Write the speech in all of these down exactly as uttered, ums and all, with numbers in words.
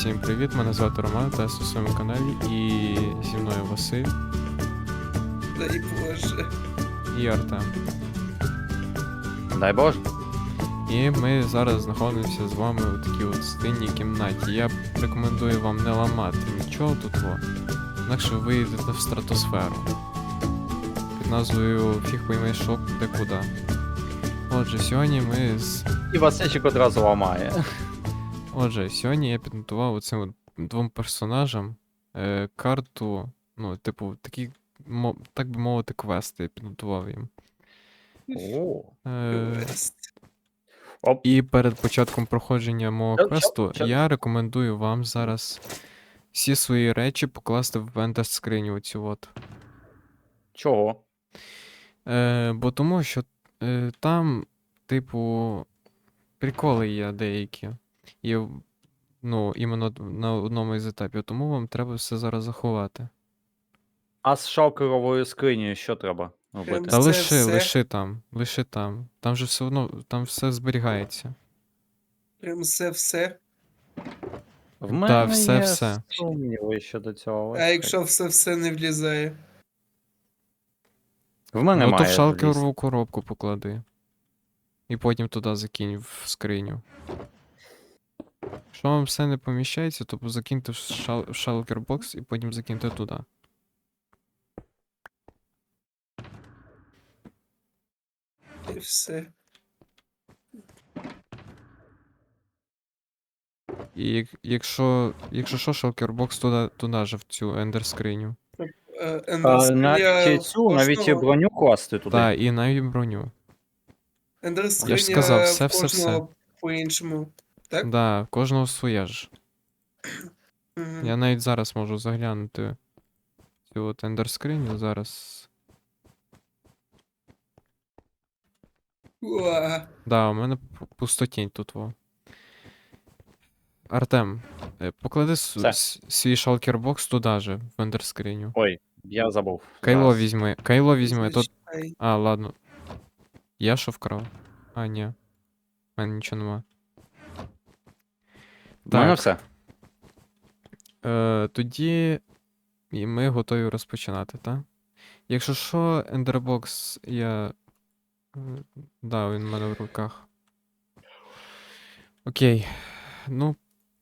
Всім привіт, мене звати Роман, та я на своєму каналі, і зі мною Василь Дай Боже. і Артем. Дай Боже. І ми зараз знаходимося з вами у такій от стильній кімнаті. Я рекомендую вам не ламати нічого тут, во. Інакше ви йдете в стратосферу. Під назвою Фіг пойми шок де куди. Отже, сьогодні ми з... І Васильчик одразу ламає. Отже, сьогодні я підготував оцим от двом персонажам е, карту, ну, типу, такі, мо- так би мовити, квести я підготував їм. О. Е, Квест. Оп. і перед початком проходження мого Чо- квесту чо- чо- я рекомендую вам зараз всі свої речі покласти в ендер скриню оцю от. Чого? Е, бо тому що е, там, типу, приколи є деякі. І, ну, іменно на одному із етапів, тому вам треба все зараз заховати. А з шалкеровою скринею що треба робити? Та Все, лиши, все. лиши там, лиши там. Там же все одно, там все зберігається. Прям все-все. В Та, мене все, є все. сумніви щодо цього. А якщо все-все не влізає? В мене Ну то в має шалкерову коробку поклади. І потім туди закинь в скриню. Якщо вам все не поміщається, то закиньте в, шал... в шалкербокс і потім закиньте туди. І все. І як... якщо, якщо що, шалкербокс туди, туди же в цю ендер скриню. Е, А, Ендерскриня навіть і цю, навіть і кожного- броню класти туди. Та, і навіть броню. Ендерскриня Я ж сказав, все, в все, все. кожного по-іншому. Так? Да, в кожного своє ж. Мгм. Я навіть зараз можу заглянути цю от ендер скриню зараз. Уа. Да, у мене п- пустотінь тут во. Артем, е, поклади с- Все. с- свій шалкербокс туди же, в ендер скриню. Ой, я забув. Кайло Зараз. візьми, кайло візьми, тут. Зачекай. А, ладно. Я що вкрав? А, ні. У мене нічого нема. В мене Так, все. е, тоді і ми готові розпочинати, так? Якщо що, ендербокс я. е, Да, він в мене в руках. Окей. Ну.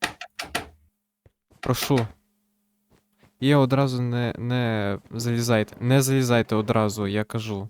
Прошу. І одразу не, не залізайте. Не залізайте одразу, я кажу.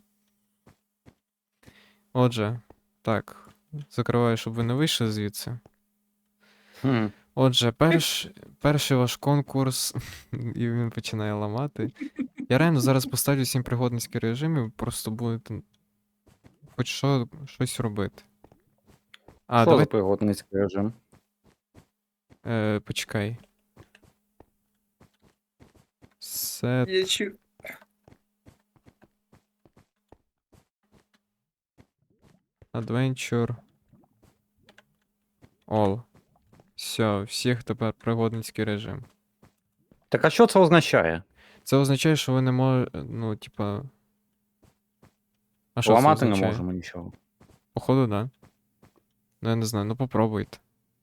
Отже, так. Закриваю, щоб ви не вийшли звідси. Хм. Отже, перш, перший ваш конкурс, і він починає ламати. Я реально зараз поставлю сім пригодницький режим, і ви просто будете хоч що, щось робити. А, Що давай. за пригодницький режим? Е, почекай. Set Я чу... Adventure. All. Все, всіх тепер пригодницький режим. Так а що це означає? Це означає, що ви не можете, ну, типа. А що це Ламати не означає? можемо нічого. Походу, да. Ну, я не знаю, ну попробуйте.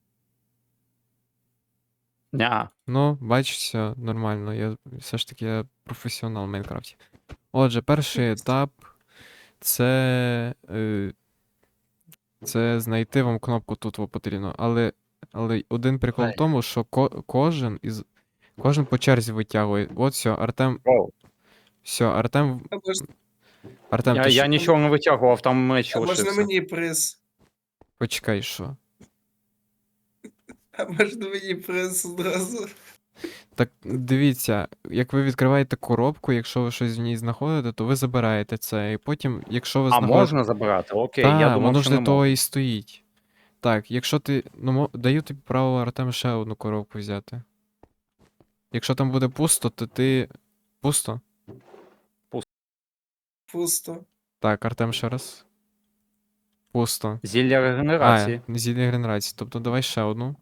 Ня. Ну, бачиш, все нормально. Я все ж таки я професіонал в Майнкрафті. Отже, перший етап це. Е, це знайти вам кнопку тут во потрібно. Але, але один прикол в Ай. тому, що ко- кожен із. Кожен по черзі витягує. От все, Артем. Оу. Все, Артем. А можна, Артем, Я, ти я що? нічого не витягував, там меч а можна лишився. мені приз? Почекай, що? А можна мені приз одразу? Так дивіться, як ви відкриваєте коробку, якщо ви щось в ній знаходите, то ви забираєте це. І потім, якщо ви А знаходите. можна забирати? Окей, Так, я думав, воно що ж не для того можна. і стоїть. Так, якщо ти. Ну, мо- даю тобі право, Артем, ще одну коробку взяти. Якщо там буде пусто, то ти. Пусто? Пусто. Так, Артем ще раз. Пусто. Зілля А, регенерації. зілля генерації. Тобто давай ще одну.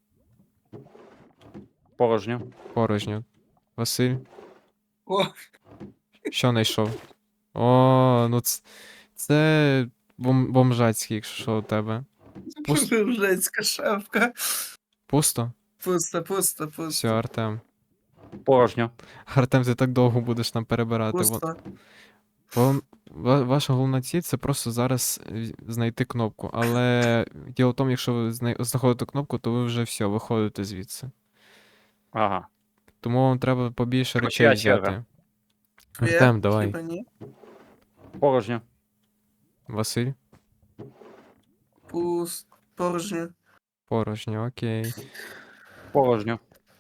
Порожньо. Порожню. Василь, О, що знайшов? О, ну це. Це бом... бомжацький, якщо що у тебе. Пусто. бомжацька шапка. Пусто? Пусто, пусто, Все, пусто. Артем. Порожньо. Артем, ти так довго будеш нам перебирати. Вон- Пусто. Вон, ва- ваша головна ціль це просто зараз е, знайти кнопку. Але діло в тому, якщо ви знай- знаходите кнопку, то ви вже все, виходите звідси. Ага. Тому вам треба побільше Чия речей черга? взяти. Твоя? Артем, давай. Хіба ні? Порожньо. Василь, Пуст. Порожньо. порожньо, окей. Порожньо.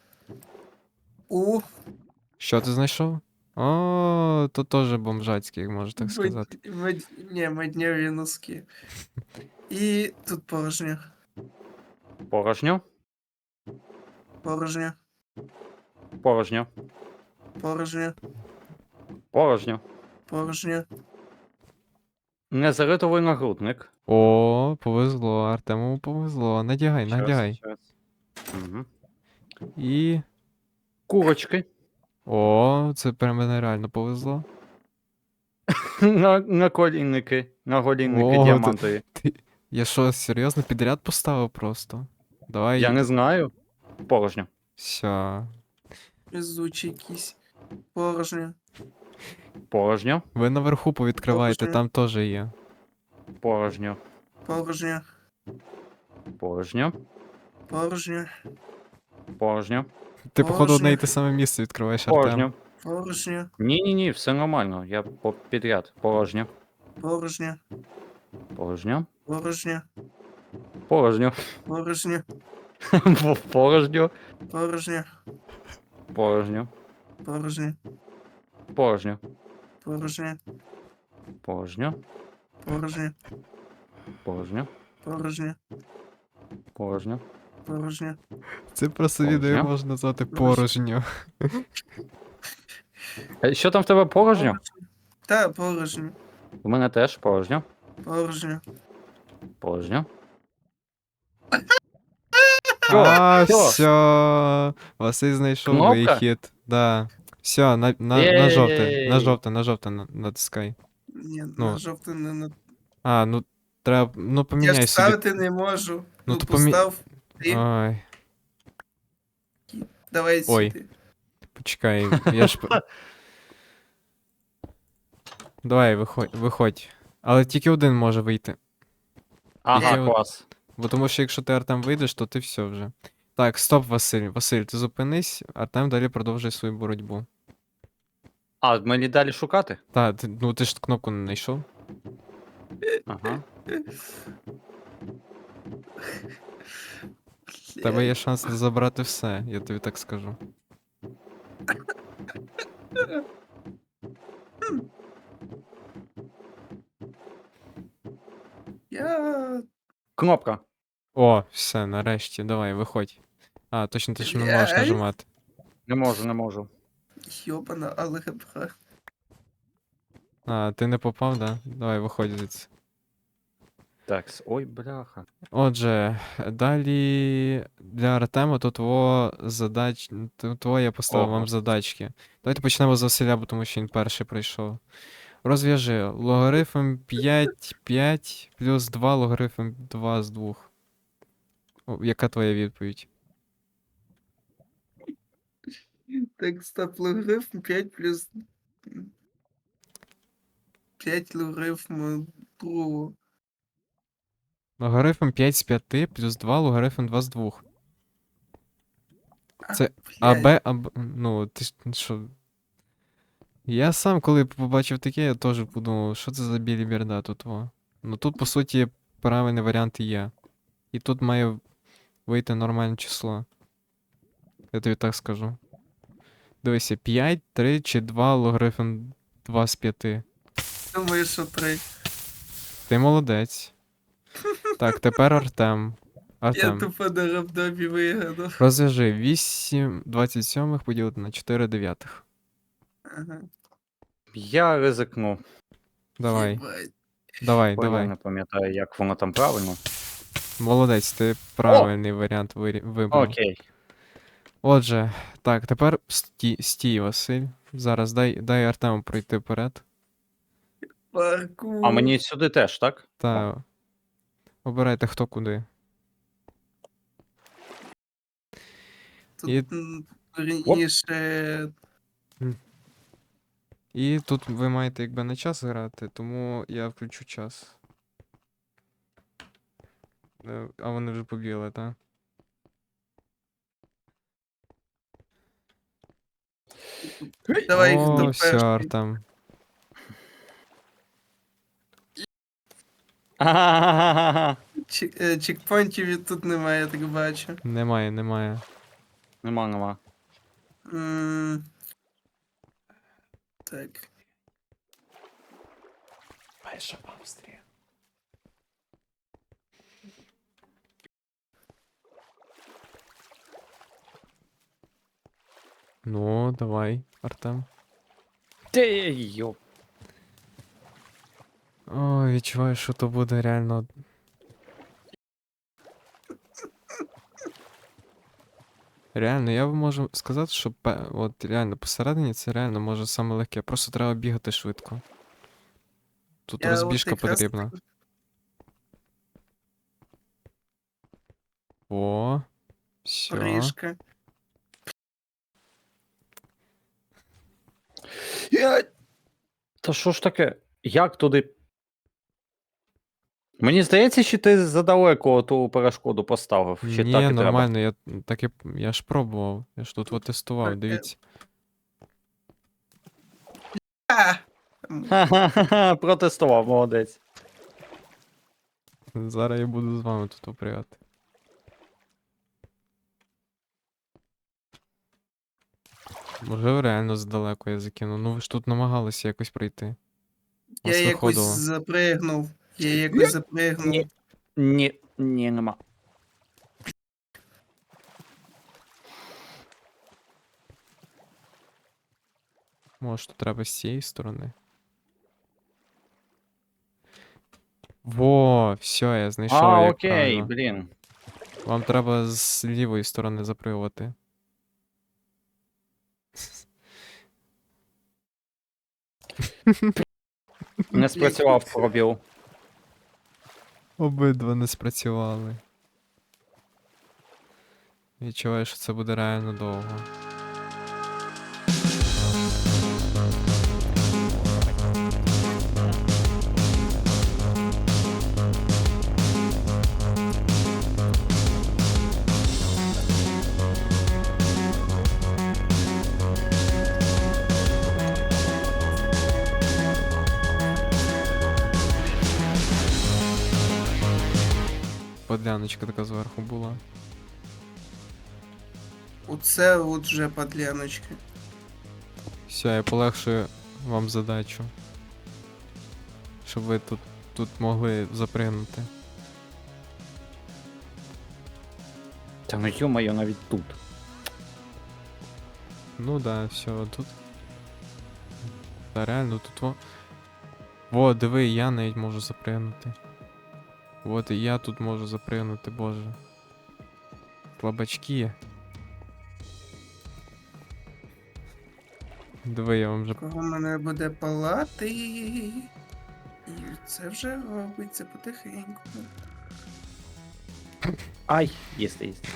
У. Що ти знайшов? О, то теж бомжацький, можна так Мед- сказати. мед- Ні, меднєві носки. І тут порожньо. Порожньо. Порожньо. Порожньо. Порожньо. Порожньо. Порожньо. Незаритовий нагрудник. О, повезло, Артему повезло. Надягай, Щас, надягай. щас. Мгм. І. Курочки. О, це прям мене реально повезло. На, на колінники. На голінники О, ти- діамантові. Ти... Я що, серйозно підряд поставив просто? Давай. Я не знаю. Порожньо. Все. Везучий якийсь. Порожньо. Порожньо. Ви наверху повідкривайте, Порожньо. там теж є. Порожньо. Порожньо. Порожньо. Порожньо. Порожньо. Ти, походу, одне і те Порожньо. саме місце відкриваєш, Артем. Порожньо. Порожньо. Ні-ні-ні, все нормально. Я по- підряд. Порожньо. Порожньо. Порожньо. Порожньо. Порожньо. Порожньо. Порожньо. Порожньо. Порожньо. Порожньо. Порожньо. Порожньо. Порожньо. Порожньо. Порожньо. Порожньо. Порожньо. Порожньо. Це просто відео Порожньо. можна назвати Порожньо. порожньо. Е, Що там в тебе порожньо? Та, порожньо. У мене теж порожньо. Порожньо. Порожньо. А, Всьо. все. Василь знайшов Кнопка? вихід. Да. Все, на, на, на жовте, на Єй. жовте, на жовте на- натискай. Ні, Ну. на жовтий не на. А, ну треба. Ну Я ж поміняй собі. ставити не можу. Ну, Ну, то помі- постав. Ти. Ой, Давай Ой. сюди. почекай, я ж. п- Давай, виходь, виходь. Але тільки один може вийти. Ага, Є- клас. Бо тому що якщо ти Артем вийдеш, то ти все вже. Так, стоп, Василь. Василь, ти зупинись, Артем далі продовжує свою боротьбу. А, мені далі шукати? Та, ти, ну ти ж кнопку не знайшов. Ага. В тебе є шанс забрати все, я тобі так скажу. Я. Кнопка. О, все, нарешті, давай, виходь. А, точно ти ж не можеш Блядь. нажимати. Не можу, не можу. Йобана алгебра. А, ти не попав, да? Давай, виходь звідси. Так, с- ой, бляха. Отже, далі для Артема то твого задач... то твоє я поставив вам Ого. задачки. Давайте почнемо з Василя, бо тому що він перший прийшов. Розв'яжи логарифм п'ять, п'ять плюс два логарифм два з двох. О, яка твоя відповідь? Так, стоп, логарифм п'ять плюс. п'ять логарифм другого. Логарифм п'ять з п'яти плюс два логарифм два з двох. А, Це блядь. АБ, АБ, ну, ти ж що? Я сам, коли побачив таке, я теж подумав, що це за біліберда тут во. Ну тут, по суті, правильний варіант є. І тут має вийти нормальне число. Я тобі так скажу. Дивися, п'ять, три чи два логарифм два з п'яти. Думаю, що три. Ти молодець. Так, тепер Артем. Я Артем. тупо на рандомі вигадав. Розв'яжи вісім двадцять сьомих поділити на чотири дев'ятих. Ага. Я ризикну. Давай, Єбать. давай, Бо я давай. не пам'ятаю, як воно там правильно. Молодець, ти правильний варіант вирі- вибрав. Окей. Отже, так, тепер стій, стій, Василь. Зараз дай, дай Артему пройти вперед. Паркур. А мені сюди теж, так? Та обирайте хто куди. Тут І- м, вірніше. І тут ви маєте якби на час грати, тому я включу час. Е, А вони вже побігли, так? Давай, О, хто все, перший. Артем. Ага. Чек- е, Чекпоінтів і тут немає, я так бачу. Немає, немає. Нема, нема. М, Так. Майже Австрія. Ну, давай, Артем. Ти йоп. О, відчуваю, що то буде реально. Реально, я вам можу сказати, що пе- от реально посередині це реально може саме легке. Просто треба бігати швидко. Тут Я от розбіжка якраз потрібна. так- О, все. Ріжка. Я... Та що ж таке? Як туди? Мені здається, що ти задалеко ту перешкоду поставив. Чи Ні, так і треба? нормально, я так і я ж пробував. Я ж тут от тестував, Так, е. дивіться. А! Ха-ха-ха, протестував, молодець. Зараз я буду з вами тут опрягати. Може реально здалеку я закину. Ну ви ж тут намагалися якось пройти. У Я вас якось виходило. запригнув. Я Ні. якось запригнув. Ні. Ні, ні, нема. Може, тут треба з цієї сторони. Во, все, я знайшов, А, як окей, правильно. блін. Вам треба з лівої сторони запригувати. Не спрацював пробіл. Обидва не спрацювали. Відчуваю, що це буде реально довго. Подляночка така зверху була. Оце от вже подляночка. Все, я полегшую вам задачу. Щоб ви тут, тут могли запригнути. Та ну ё-моё, навіть тут. Ну да, все, тут. Та реально тут во. Во, диви, я навіть можу запригнути. От і я тут можу запригнути, боже. Слабачки. Диви, я вже. Кого мене буде палати. І це вже робиться потихеньку. Ай, єсте, єсте.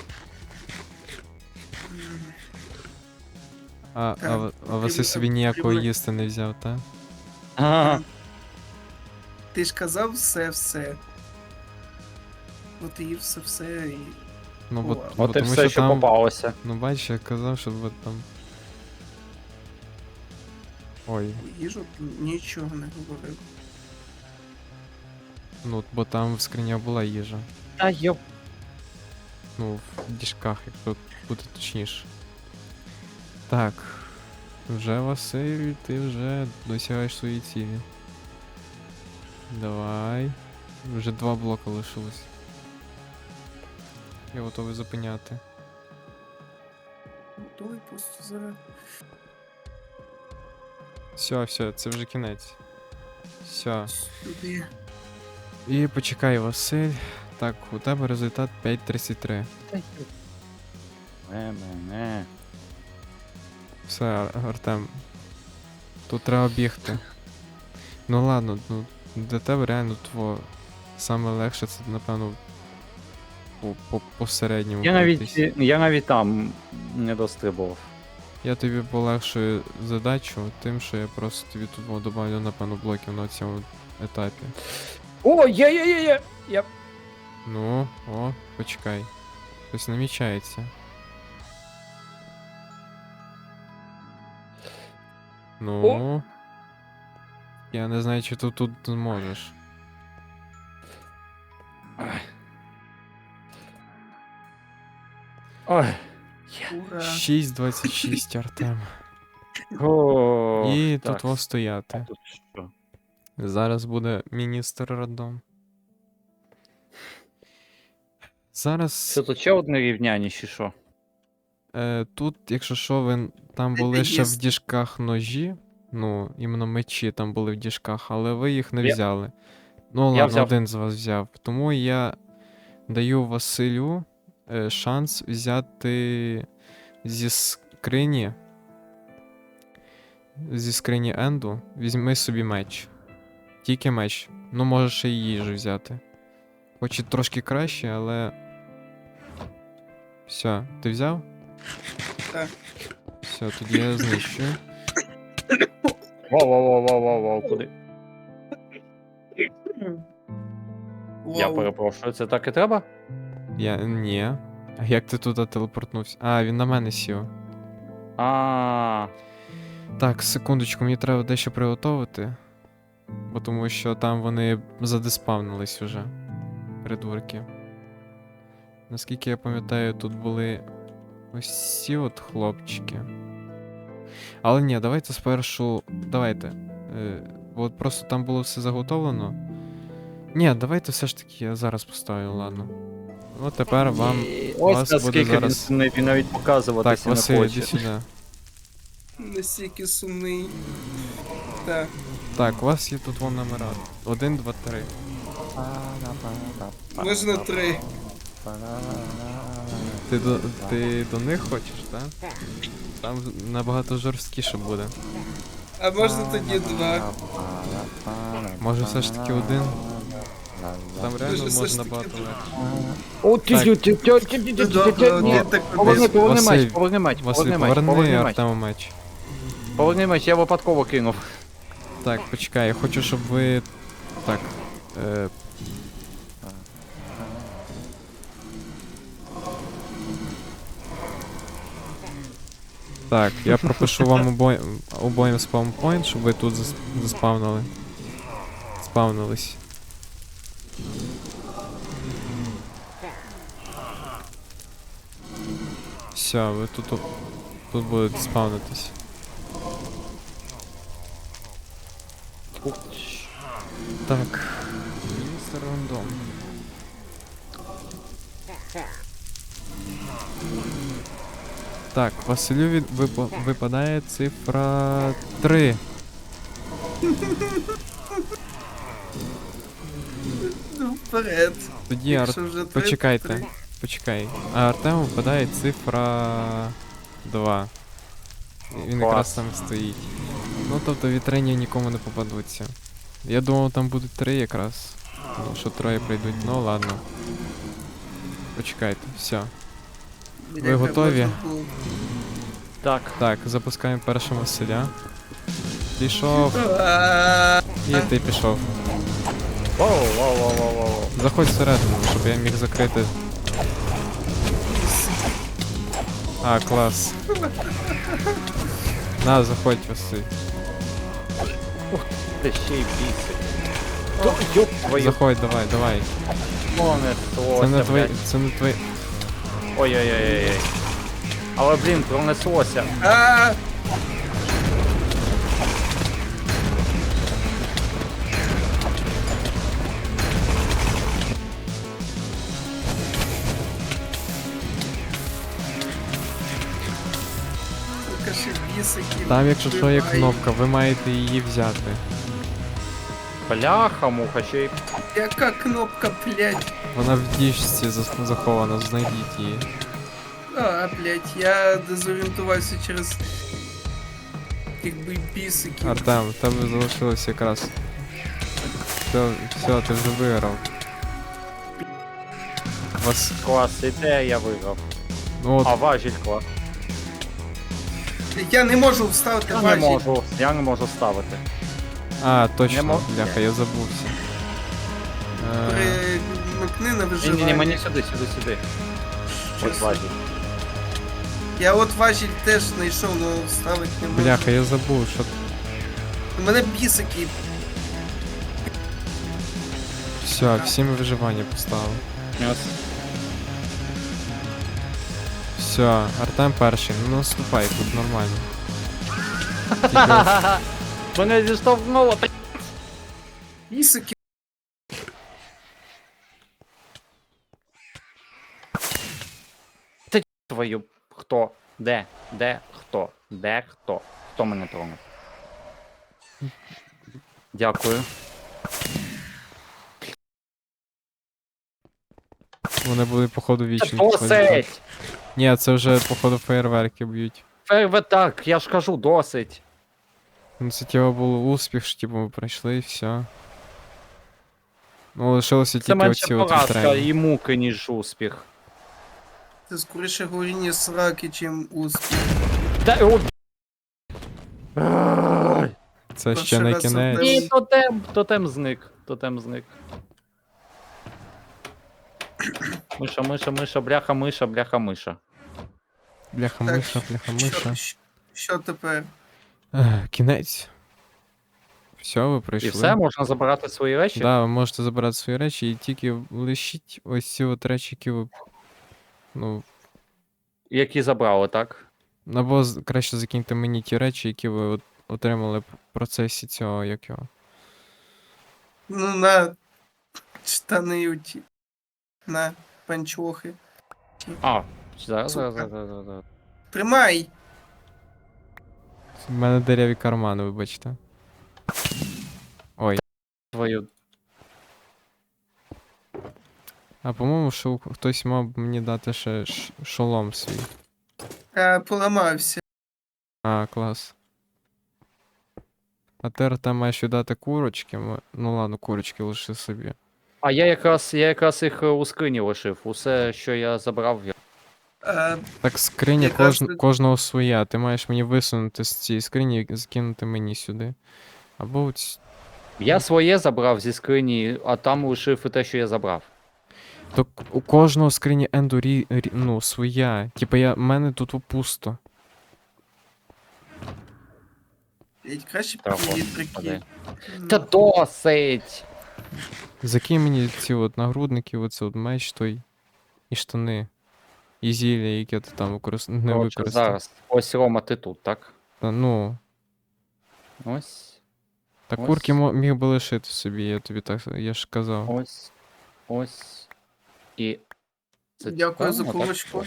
М, А, а, Так, ви- а Василь потрібно- собі ніякого потрібно- їсти не взяв, та? Ага. Ти ж казав все-все. От і все-все і. Ну, бо, О, бо От і тому все, що що там. попалося. Ну бачиш, я казав, що ви там. Ой, їжу нічого не говорив. ну бо там в скрині була їжа. Та йоп. Ну, в діжках, якщо бути точніше. Так. Вже Василь, ти вже досягаєш свої цілі. Давай. Вже два блока лишилось. Я готовий зупиняти. Готовий просто зараз. Все, все, це вже кінець. Все. Сюди. І почекай, Василь. Так, у тебе результат п'ять тридцять три. Не, не, не. Все, Ар- Артем. Тут треба бігти. Ну ладно, ну для тебе реально тво саме легше це, напевно, по, по, по середньому. Я навіть, пройтись. я навіть там не дострибував. Я тобі полегшую задачу тим, що я просто тобі тут добавлю, напевно, блоків на цьому етапі. О, є, є, є, є! Я... Ну, о, почекай. Щось намічається. Ну. Я не знаю, чи ти тут зможеш. Ой. Ура. шість двадцять шість, Артем. О, І так, тут во стояти. тут що? Зараз буде міністр роддом. Зараз Що тут ще одне рівняння, чи що? е, тут, якщо що, ви там Це були ще в єсть. діжках ножі. Ну, іменно мечі там були в діжках, але ви їх не Я- взяли. Ну, Я ладно, взяв. один з вас взяв. Тому я даю Василю е, шанс взяти зі скрині. Зі скрині Енду. Візьми собі меч. Тільки меч. Ну, можеш ще й їжу взяти. Хоч і трошки краще, але. Все, ти взяв? Так. Все, тоді я знищую. Воу-воу-воу-воу-воу, куди? Я Вау. перепрошую, це так і треба? Я. Ні. А як ти туди телепортнувся? А, він на мене сів. А, Так, секундочку, мені треба дещо приготувати. Бо тому що там вони задеспавнились уже. Придурки. Наскільки я пам'ятаю, тут були ось ці от хлопчики. Але ні, давайте спершу. Давайте. Е, бо от просто там було все заготовлено. Ні, давайте все ж таки я зараз поставлю, ладно. От тепер вам. ось вас наскільки буде він зараз- сумний, він навіть Так, показуватися не Василь, хоче. іди сюди. Настільки сумний. Так. Так, у вас є тут вон номера. Один, два, три. Можна три. Ти до, ти до них хочеш, так? Там набагато жорсткіше буде. А можна тоді два. Може все ж таки один? Там реально Дуже все можна ж таки набагато один. легше. О, ті, Так. ті, ті, ті, ті, ті, ті, ті, ті, Добре, ні. я так Поверни, кудись. поверни Василь, меч, поверни меч, Василь, поверни меч, поверни поверни меч. Артему меч. Поверни меч, я випадково кинув. Так, почекай, я хочу, щоб ви. Так. Е... Так, я пропишу вам обоє... обоїм спаунпойнт, щоб ви тут зас... заспавнили. Спавнились. Все, ви тут, тут будете спавнитись. Так. Міністр рандом. Так, Василю від... випа... випадає цифра три. Ну, вперед. Тоді Ар... Якщо вже три, Почекайте. три. Почекай. А Артему випадає цифра два. Він якраз Клас. там стоїть. Ну тобто вітрені нікому не попадуться. Я думав там будуть три якраз. Ну, що троє прийдуть, ну ладно. Почекайте, все. Бляха, готові? можна було. Так. Так, запускаємо першого Василя. Пішов. А, І ти пішов. Воу, воу, воу, воу, воу. Заходь всередину, щоб я міг закрити. А, клас. На, заходь, Василь. Ти ще й бісить. О, ёб твою, Заходь, давай, давай. мене Це не твоє, твої. блядь. Це не твої. Ой-ой-ой-ой. Але, блін, пронеслося. а, сука, ще бісики. Там, якщо що, є вбивай. кнопка, ви маєте її взяти. Бляха, муха, ще й... Яка кнопка, блядь? Вона в діжці зас- захована, знайдіть її. А, блядь, я дезорієнтувався через якби бісики. Артем, в тебе залишилось якраз. Все, все, ти вже виграв. вас. Клас, і те я виграв. Ну от, А важіль клас. Я не можу вставити Я не важіль. можу, я не можу ставити. а, точно, мо- бляха, я забувся. Е, Примикни на Ні, ні, ні, виживання. мені сюди, сюди, сюди. Щас. Ось важіль. Я от важіль теж знайшов, але вставити не можу. Бляха, я забув, що. У мене бісики. Все, всі ми виживання поставили. Ось. Все, Артем перший, ну наступай, тут нормально. Тільки Мене зіштовхнуло. та- Бісики. Твою. Хто? Де? Де? Хто? Де? Хто? Хто мене тронув? Дякую. вони були, походу, Це вічні. досить! Ні, це вже, походу, фейерверки б'ють. Фейве так, я ж кажу, досить. Ну це типа був успіх, що типу ми пройшли і все. Ну, лишилося Це тільки менше оці от поразка вітрені. і муки, ніж успіх. Це скоріше горіння сраки, чим успіх. Та о, Ай! Це Перший ще не раз кінець. Ні, тотем, тотем зник, тотем зник. Миша, миша, миша, бляха, миша, бляха, миша. Бляха Так, миша, бляха миша. Що, що тепер? Ех, Кінець. Все, ви пройшли. І все, можна забирати свої речі? Да, ви можете забирати свої речі і тільки лишіть ось ці от речі, які ви. Ну, Які забрали, так? або з- краще закиньте мені ті речі, які ви от отримали в процесі цього, як його. Ну на штани оті. На панчохи. А, зараз, Сука. зараз, зараз, зараз, зараз. Тримай! У мене дереві кармани, вибачте. Ой. Твою. А по-моєму, що хтось мав мені дати ще ш- шолом свій. А, поламався. А, клас. А ти там маєш віддати курочки. ми- Ну ладно, курочки лиши собі. А я якраз, я якраз їх е, у скрині лишив. Усе, що я забрав, я. А, Так скриня Якраз кож... ти- кожного своя. Ти маєш мені висунути з цієї скрині і закинути мені сюди. Або ось. Я своє забрав зі скрині, а там лишив і те, що я забрав. То к- у кожного скрині енду рі... рі- ну, своя. Типа я. в мене тут пусто. блядь, краще б Так, її ладно, прикинь. падай. Ну, Та досить! Закинь мені ці от нагрудники, оце от меч той. І штани. І зілля, яке ти там використ... не Коротше, використав. зараз. Ось Рома, ти тут, так? Та, ну. Ось, Та Ось. курки мо- міг би лишити собі, я тобі так. Я ж казав. ось, ось. І. Це Дякую за правильно, так? курочку.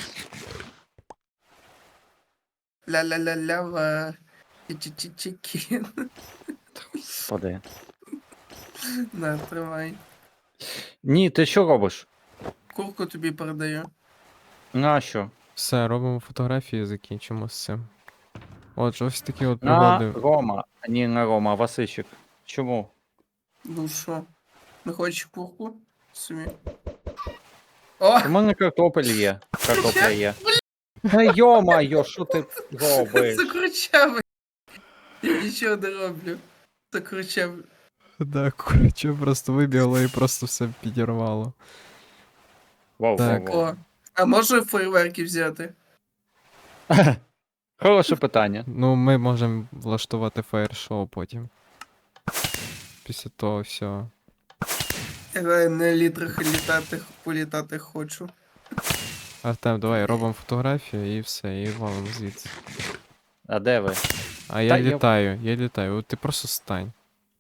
Ля-ля-ля-ля-ла. Чі-чі-чі-чі. Господи. На, тримай. Ні, ти що робиш? Курку тобі передаю. Нащо? Все, робимо фотографії, закінчимо з цим. Отже, ось такі от На пригоди. Рома. А ні, на Рома, а Васильчик. Чому? Ну що? Не хочеш курку? Собі. О! У мене картопель є. Картопля є. Та йо-майо, що ти робиш? Закручав. Я нічого не роблю. Закручав. Да, курче просто вибігло і просто все підірвало. Вау, Так. вау, вау. О. А можу фейерверки взяти? Хороше питання. Ну, ми можемо влаштувати фаєр-шоу потім. Після того всього. Я на літрах літати, політати хочу. Артем, давай робимо фотографію і все, і валимо звідси. А де ви? А я Та я- літаю, я літаю. От ти просто стань.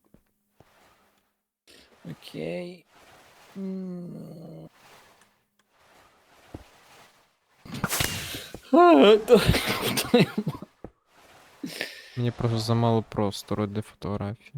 Окей. Мені просто замало простору для фотографії.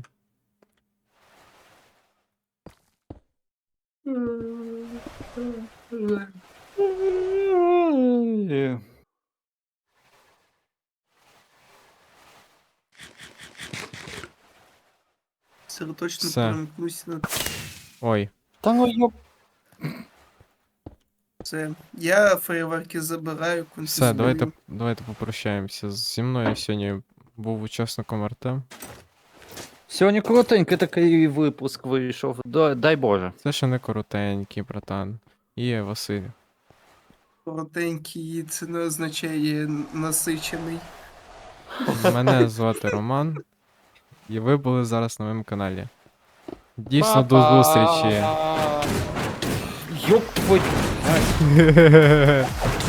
Це точно Все. перемкнусь на. Ой, Та ну йоп. Все. Я фейерверки забираю, Все, конфіскую. давайте, давайте попрощаємося. Зі мною сьогодні був учасником Артем. Сьогодні коротенький такий випуск вийшов. Дай, дай Боже. Це ще не коротенький, братан. І Василь. Коротенький, це не означає насичений. Мене звати Роман. І ви були зараз на моєму каналі. Дійсно, до Па-па. зустрічі! Ёб твою.